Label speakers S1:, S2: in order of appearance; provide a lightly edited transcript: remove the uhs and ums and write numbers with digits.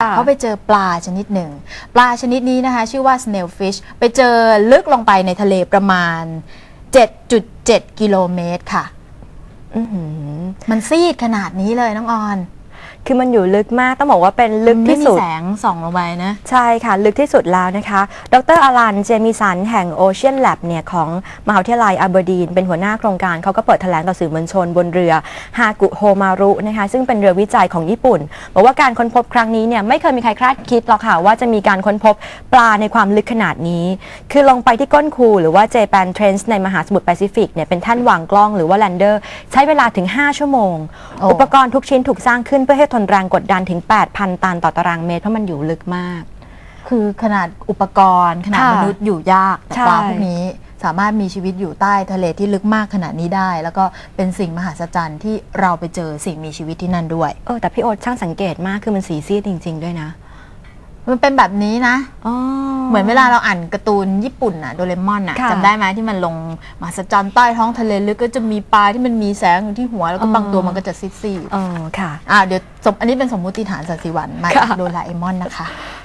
S1: เขาไปเจอปลาชนิดหนึ่งปลาชนิดนี้นะคะชื่อว่า snailfish ไปเจอลึกลงไปในทะเลประมาณ 7.7 กิโลเมตรค่ะมันซีดขนาดนี้เลยน้องออน
S2: คือมันอยู่ลึกมากต้องบอกว่าเป็นลึกที่สุด
S1: ไม่มีแสงส่องลงไปนะ
S2: ใช่ค่ะลึกที่สุดแล้วนะคะดร.อลันเจมิสันแห่ง Ocean Lab เนี่ยของมหาวิทยาลัยอัลเบอร์ดีนเป็นหัวหน้าโครงการเขาก็เปิดแถลงต่อสื่อมวลชนบนเรือฮากุโฮมารุนะคะซึ่งเป็นเรือวิจัยของญี่ปุ่นบอกว่าการค้นพบครั้งนี้เนี่ยไม่เคยมีใครคาดคิดหรอกค่ะว่าจะมีการค้นพบปลาในความลึกขนาดนี้คือลงไปที่ก้นคูหรือว่าเจแปนเทรนส์ในมหาสมุทรแปซิฟิกเนี่ยเป็นแท่นวางกล้องหรือว่าแลนเดอร์ใช้เวลาถึง5 ชั่วโมงอุปกรณ์ทุกชิ้นถูกสร้างขึ้นเพื่อให้ทนแรงกดดันถึง 8,000 ตันต่อตารางเมตรเพราะมันอยู่ลึกมาก
S1: คือขนาดอุปกรณ์ขนาดมนุษย์อยู่ยากแต่ปลาพวกนี้สามารถมีชีวิตอยู่ใต้ทะเลที่ลึกมากขนาดนี้ได้แล้วก็เป็นสิ่งมหัศจรรย์ที่เราไปเจอสิ่งมีชีวิตที่นั่นด้วย
S2: แต่พี่โอ๊ตช่างสังเกตมากคือมันสีซีดจริงๆด้วยนะ
S1: มันเป็นแบบนี้นะเหมือนเวลาเราอ่านการ์ตูนญี่ปุ่นอะโดเรมอนอะจำได้ไหมที่มันลงมหัศจรรย์ใต้ท้องทะเลลึกก็จะมีปลาที่มันมีแสงอยู่ที่หัวแล้วก็บางตัวมันก็จะซีดๆ
S2: ค่ะ
S1: เดี๋ยวอันนี้เป็นสมมุติฐานสันติวันมาจากโดราเอมอนนะคะ